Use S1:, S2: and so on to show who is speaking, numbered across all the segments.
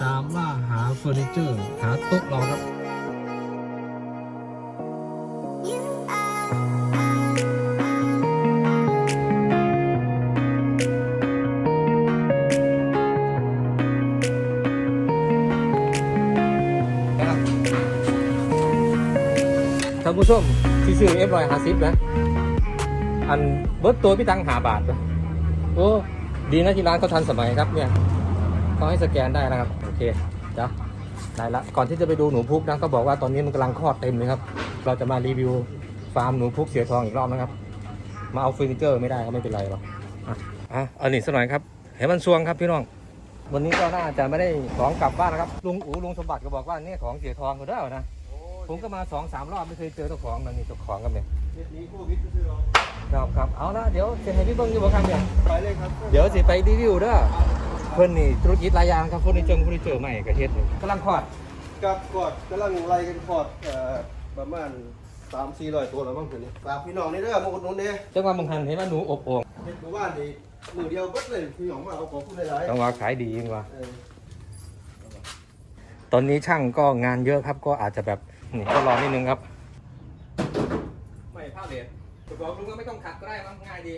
S1: ตามล่าหาเฟอร์นิเจอร์หาโต๊ะเราครับท่านผู้ชมที่ซื้อ F150 นะอันเบิร์ตตัวพี่ตัง5 บาทโอ้ดีนะที่ร้านเขาทันสมัยครับเนี่ยเขาให้สแกนได้นะครับโอเคจ้ะได้ละก่อนที่จะไปดูหนูพุกนะก็บอกว่าตอนนี้มันกำลังคลอดเต็มเลยครับเราจะมารีวิวฟาร์มหนูพุกเสือทองอีกรอบนะครับมาเอาเฟอร์นิเจอร์ไม่ได้ก็ไม่เป็นไรหรอกเอาหนีสักหน่อยครับเห็นมันซวงครับพี่น้องวันนี้ก็น่าจะไม่ได้ของกลับบ้านนะครับลุงสมบัติก็บอกว่านี่ของเสือทองเขาได้นะผมก็มา2-3 รอบไม่เคยเจอเจ้าของมันนี่เจ้าของกันเนี่ยครับเอาละเดี๋ยวจะให้พี่เบิ้งอยู่บ่ครับเนี่ยไปเลยครับเดี๋ยวสิไปรีวิวเด้อเพิ่นนี่ธุรกิจหลายอย่างครับเฟอร์นิเจอร์ใหม่กระเฮ็ดกำลังคลอด
S2: กับกอดกำลังไล่กันคอดประมาณ300-400 ตัวแล้วบ้างคืนนี้ฝากพี่น้องนี่เด้อมาอุดหนุนเด้
S1: จังหวะมึงหันเห็นว่าหนูอบโอ่ง
S2: เฮ็ดหมู่บ้านนี่มือเดียวเบิดเลยพี่น้องมาเอาของผู้หลายๆ
S1: จังหวะขายดีจริงว่ะตอนนี้ช่างก็งานเยอะครับก็อาจจะแบบนี่ก็รอนิดนึงครับไม่ผ้าเลทจะบอกลุงว่าไม่ต้องขัดก็ได้มั้งง่ายดี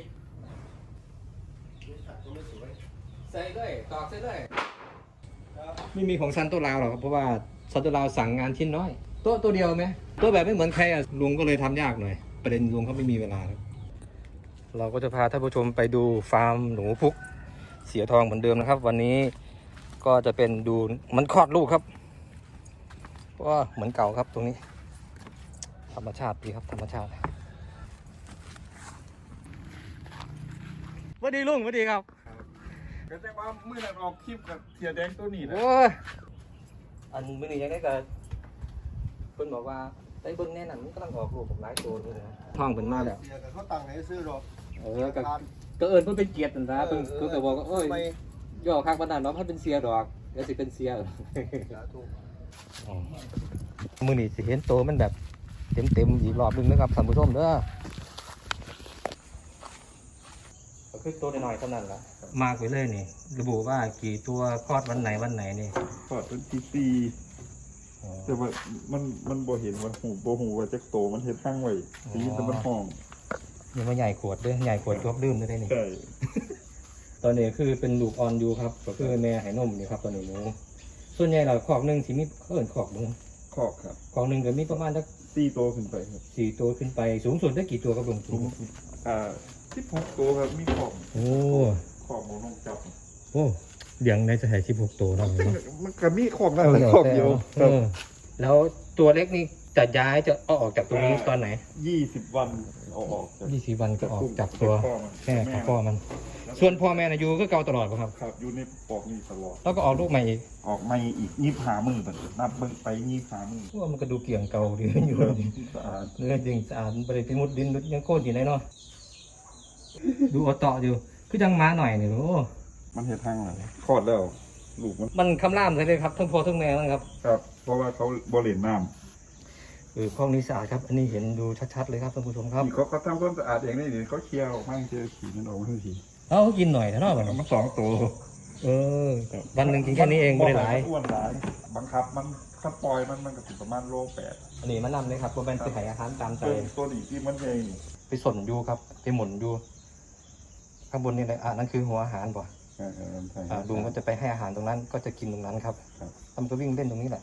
S1: ใส่เลยตอกใส่เลยไม่มีของซันโตลาวหรอกครับเพราะว่าซันโตลาวสั่งงานชิ้นน้อยตัวเดียวไหมตัวแบบไม่เหมือนใครอ่ะลุงก็เลยทำยากหน่อยประเด็นลุงเขาไม่มีเวลาครับเราก็จะพาท่านผู้ชมไปดูฟาร์มหนูพุกเสียทองเหมือนเดิมนะครับวันนี้ก็จะเป็นดูมันคลอดลูกครับว่าเหมือนเก่าครับตรงนี้ธรรมชาติดีครับธรรมชาติสวัสดีลุงสวัสดีครับ
S3: ก็แต่ว่ามื่อนั้นออกคลิปกับเสียแดงตัวนี้นะ
S1: โอ้ยอันมื่อนี้ยังได้กันเพิ่นบอกว่าได้เบิ่งแน่นั่นมันกำลังออกลูกผมหลายตัวเลยนะท้องเพิ่นมาแล้ว
S2: เสียกันเขาตังค์ให้ซื้อหรอก
S1: ก็เอิญเพิ่นเป็นเกียรตินั่นนะเพิ่นก็บอกว่าโอ้ยย่อคักปานนั้นเนาะเพิ่นเป็นเสียดอกเดี๋ยวสิเป็นเสียมื้อนี้สิเห็นโตมันแบบเต็มอีกรอบนึงนะครับท่านผู้ชมเด้อก็คือตัวน้อยๆเท่านั้นล่ะมากไปเลยนี่ระบุว่ากี่ตัวคลอดวันไหนนี่
S3: พอดเป็นตีแต่ว่ามันบ่เห็นว่าหูว่าจักโตมันเฮ็ดห้างไว้ตีแต่มันห้อง
S1: ยังมาใหญ่ขวดด้วยใหญ่ขวดจบดื่มได้นี่
S3: ใช่
S1: ตอนนี้คือเป็นลูกอ่อนอยู่ครับก็คือแม่ให้นมนี่ครับตอนนี้หนูส่วนใหญ่เราคอกหนึ่งที่มีเอิ้นคอกหนึ่ง
S3: คอกครับ
S1: คอกหนึ่งก็มีประมาณสัก
S3: 4 ตัวขึ้นไปครับ
S1: 4 ตัวขึ้นไปสูงสุดได้กี่ตัวครับลุง
S3: 16 ตัวครับมีคอก
S1: โอ้
S3: คอกบ่ต้องจับ
S1: โอ้เลี้ยงได้จะให้16 ตัวเราเนาะ
S3: มันก็มีคอกนั่นแหละคอกเดียว
S1: แล้วตัวเล็กนี่จะย้ายจะออกจากตรงนี้ตอนไหน
S3: 20 วันเอาออก
S1: 20 วันก็ออกจากตัวแม่กับพ่อมันส่วนพ่อแม่นะอยู่ก็เก่าตลอดป่ะครับ
S3: ครับอยู่ในปอกนี่ตลอด
S1: แล้วก็ออกลูกใหม่อีก
S3: ออกใหม่อีก25 มื้อนับเบิ่งไป25 มื้อ
S1: ว่ามันก็ดูเกี่ยงเก่าดีอยู่
S3: สะอาด
S1: เนื้อจริงสะอาดบ่ได้ไปมุดดินยังโคตรดีเลยเนาะดูเอาต่ออยู่คือจังม้าหน่อยนี่โอ้
S3: มันเฮ็ดทางแล้วคลอดแล้วลูก
S1: มันคำรามใช่เลยครับทั้งพ่อทั้งแม่มันครับ
S3: ครับเพราะว่าเขาบ่เล่นน้ำ
S1: ห้องนี้สะอาดครับอันนี้เห็นดูชัดๆเลยครับท่านผู้ชมครับ
S3: เขาทำความสะอาดเองนี่เขาเคลียร์ออกมาเจอขี้มันออกมาทันที
S1: เอากินหน่อยนะเนาะ
S3: มัน2 ตัว
S1: วันหนึ่งกินแค่นี้เองไม่ได้หลาย
S3: อ้วนหลายบังคับมันถ้าปล่อยมันก็ประมาณโล 8
S1: อันนี้มันนำเลยครับตัวเป็นไปหายอาหารตามใจ
S3: ตัวนี้ที่มันเอง
S1: ไปสนอยู่ครับไปหมุนอยู่ข้างบนนี่เลยนั่นคือหัวอาหารบ่ลุงก็จะไปให้อาหารตรงนั้นก็จะกินตรงนั้นครับทำก็วิ่งเล่นตรงนี้แหละ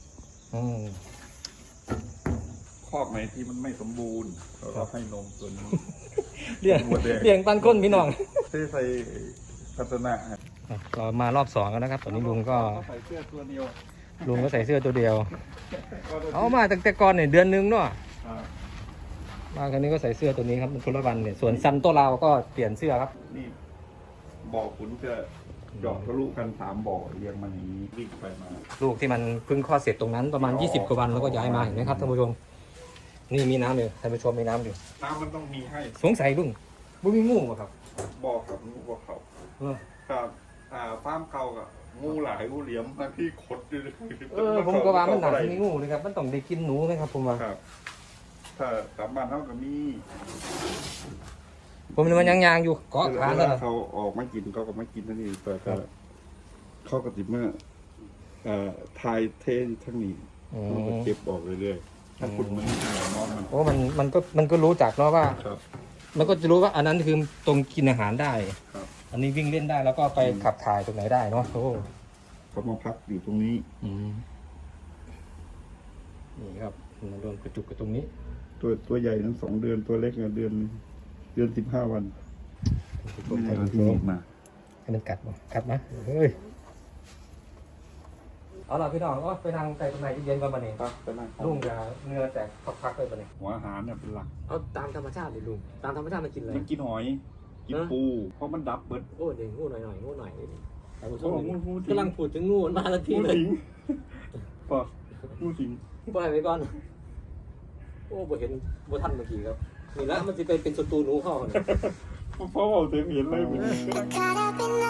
S3: คอกไหนที่มันไม่สมบูรณ์เราให้นมตัวนี้
S1: เลี้ยงปันก้นพี่น้อง
S3: ใส่พัฒนา
S1: เรามารอบ2แล้วนะครับตอนนี้ลุงก็
S3: ใส่เสื้อตัวเดียว
S1: ลุงก็ใส่เสื้อตัวเดียวเอามาตั้งแต่ก่อนเนี่ยเดือนนึงเนาะมาครั้งนี้ก็ใส่เสื้อตัวนี้ครับมันคนละวันเนี่ยส่วนซันโตลาวก็เปลี่ยนเสื้อครับ
S3: นี่บ่อขุนจะหยอกทะลุกัน3 บ่อเรียงมันอย่างนี้วิ่งไปมา
S1: ลูกที่มันเพิ่งคลอดเสร็จตรงนั้นประมาณ20 กว่าวันแล้วก็ย้ายมาเห็นไหมครับท่านผู้ชมนี่มีน้ำอยู่ท่านผู้ชมมีน้ำอยู่
S3: น้ำมันต้องมีให้
S1: สงสัยลุงบุ้มีงูป่ะครับ
S3: บ่อกับงูบ่อเขาครับฟาร์มเขากับงูหลายงูเหลี่ยมบางที่ขดอยู่
S1: ผมก็ว่ามันหนักมีงูนะครับมันต้องได้กินหนูไหมครับผมว่า
S3: ถ้ากลับบ้านเขาก็มี
S1: ผมมันยังอยู่เกาะขาแล้ว
S3: เขาออกมากินเขาก็มากินนั่นเองแต่เขาก็ติดเมื่อทายเททั้งนี้มันก็เก็บออกเรื่อยๆถ้าคุณมันน้องมัน
S1: โอ้มันก็รู้จักเนาะว่า
S3: ครับ
S1: มันก็จะรู้ว่าอันนั้นคือตรงกินอาหารได้
S3: ครับ
S1: อันนี้วิ่งเล่นได้แล้วก็ไปขับถ่ายตรงไหนได้เนาะโอ้
S3: เขามาพักอยู่ตรงนี้
S1: นี่ครับมันโดนกระจุกกับตรงนี้
S3: ตัวใหญ่ทั้ง2 เดือนตัวเล็กเดือน15 วันไม่ได้เอาที่นี่มา
S1: ให้มันกัดบ่กัดนะเฮ้ยเอาล่ะพี่น้องก็ไปนั่งใจตรงไหนเย็นๆกันมาเนี่ย
S3: ครับไปนั่ง
S1: ลุงจะเนื้อแตกพักๆเลยปะเนี่ย
S3: หัวอาหารเนี่ยเป็นหลัก
S1: เอาตามธรรมชาติเลยลุงตามธรรมชาติมันกินอะไร
S3: มันกินหอย กินปู เพราะมันดับเบิด
S1: โอ้เดี๋ยวงูหน่อยงูหน่อยแต่ผม
S3: โอ้งูสิง
S1: กำลังพูดถึงงูมันมาแล้วที
S3: งู
S1: เลย
S3: สิงปะงูสิง
S1: ปล่อยไว้ก่อนโอ้บ่เห็นบ่ทันเมื่อกี้ครับนี่ละมันจะเป็นศัตรูหนูเข้าเนี่ย
S3: เพราะว่าเสียงเห็นเลย
S4: Caught up in